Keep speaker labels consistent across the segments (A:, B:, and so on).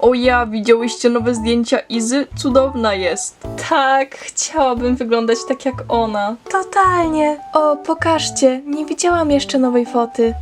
A: O ja, widziałyście nowe zdjęcia Izy? Cudowna jest. Tak, chciałabym wyglądać tak jak ona. Totalnie. O, pokażcie, nie widziałam jeszcze nowej foty.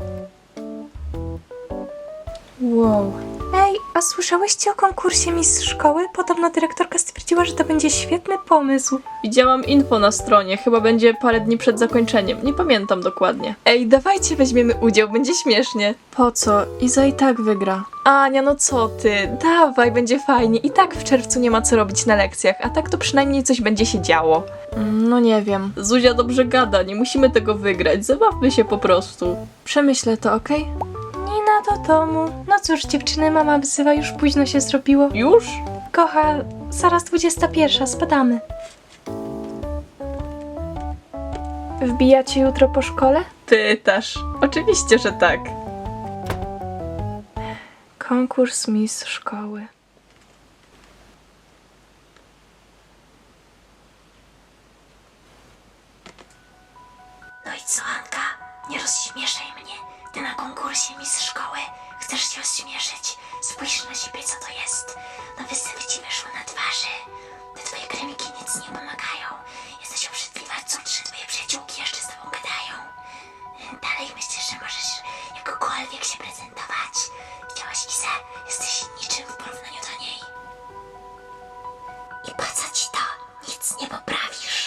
A: Wow. Ej, a słyszałyście o konkursie Miss Szkoły? Podobno dyrektorka stwierdziła, że to będzie świetny pomysł. Widziałam info na stronie, chyba będzie parę dni przed zakończeniem, nie pamiętam dokładnie. Ej, dawajcie weźmiemy udział, będzie śmiesznie. Po co? Iza i tak wygra. Ania, no co ty? Dawaj, będzie fajnie. I tak w czerwcu nie ma co robić na lekcjach, a tak to przynajmniej coś będzie się działo. No nie wiem. Zuzia dobrze gada, nie musimy tego wygrać, zabawmy się po prostu. Przemyślę to, okej? Nina do domu. No cóż, dziewczyny, mama wzywa, już późno się zrobiło. Już? Kocha, zaraz 21, spadamy. Wbijacie jutro po szkole? Pytasz. Oczywiście, że tak. Konkurs Miss Szkoły.
B: No i co, Anka? Nie rozśmieszaj mnie. Ty na konkursie Miss Szkoły chcesz się rozśmieszyć. Spójrz na siebie, co to jest. Nowe syny ci wyszły na twarzy. Te twoje kremiki nic nie pomagają. Jesteś obrzydliwa, co 3 twoje przyjaciółki jeszcze z tobą gadają. Dalej myślisz, że możesz jakokolwiek się prezentować. Widziałaś Izę? Jesteś niczym w porównaniu do niej. I po co ci to? Nic nie poprawisz.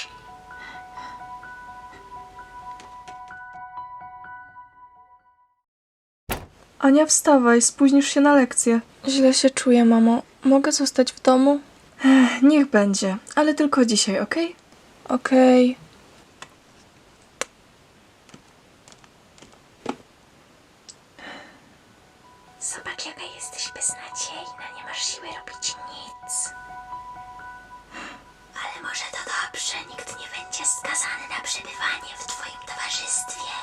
A: Ania, wstawaj, spóźnisz się na lekcję. Źle się czuję, mamo. Mogę zostać w domu? Niech będzie, ale tylko dzisiaj, okej? Okej.
B: Zobacz, jaka jesteś beznadziejna, nie masz siły robić nic. Ale może to dobrze, nikt nie będzie skazany na przebywanie w twoim towarzystwie.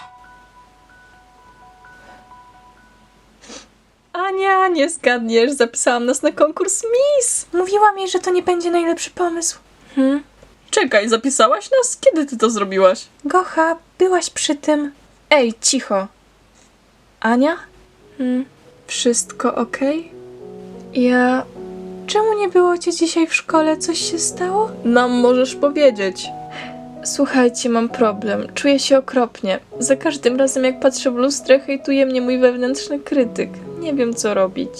A: Ania, nie zgadniesz, zapisałam nas na konkurs Miss. Mówiłam jej, że to nie będzie najlepszy pomysł. Czekaj, zapisałaś nas? Kiedy ty to zrobiłaś? Gocha, byłaś przy tym. Ej, cicho. Ania? Wszystko okej? Ja... Czemu nie było cię dzisiaj w szkole? Coś się stało? Nam możesz powiedzieć. Słuchajcie, mam problem. Czuję się okropnie. Za każdym razem, jak patrzę w lustrę, hejtuje mnie mój wewnętrzny krytyk. Nie wiem, co robić.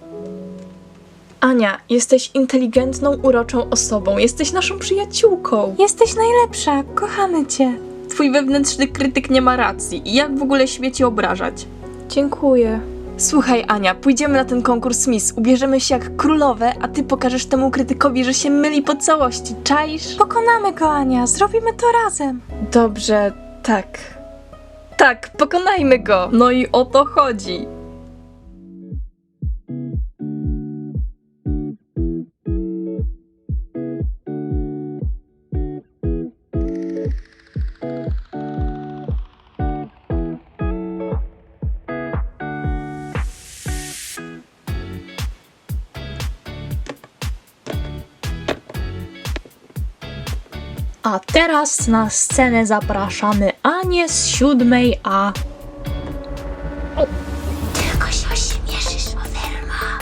A: Ania, jesteś inteligentną, uroczą osobą. Jesteś naszą przyjaciółką. Jesteś najlepsza. Kochamy cię. Twój wewnętrzny krytyk nie ma racji. I jak w ogóle śmie cię obrażać? Dziękuję. Słuchaj, Ania, pójdziemy na ten konkurs Miss, ubierzemy się jak królowe, a ty pokażesz temu krytykowi, że się myli po całości, czaisz? Pokonamy go, Ania, zrobimy to razem. Dobrze, tak. Tak, pokonajmy go! No i o to chodzi.
C: A teraz na scenę zapraszamy Anię z 7A.
B: Tylko się ośmieszysz, Oferma.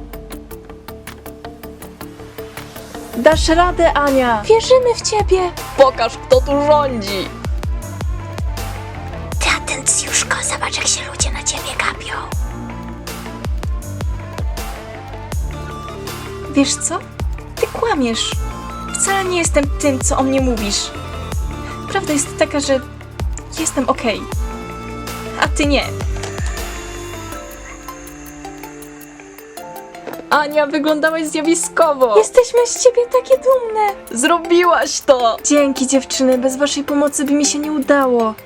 A: Dasz radę, Ania! Wierzymy w ciebie! Pokaż, kto tu rządzi!
B: Ty, atencjuszko, zobacz, jak się ludzie na ciebie gapią.
A: Wiesz co? Ty kłamiesz. Wcale nie jestem tym, co o mnie mówisz. Prawda jest taka, że jestem okej. A ty nie. Ania, wyglądałaś zjawiskowo. Jesteśmy z ciebie takie dumne. Zrobiłaś to. Dzięki, dziewczyny. Bez waszej pomocy by mi się nie udało.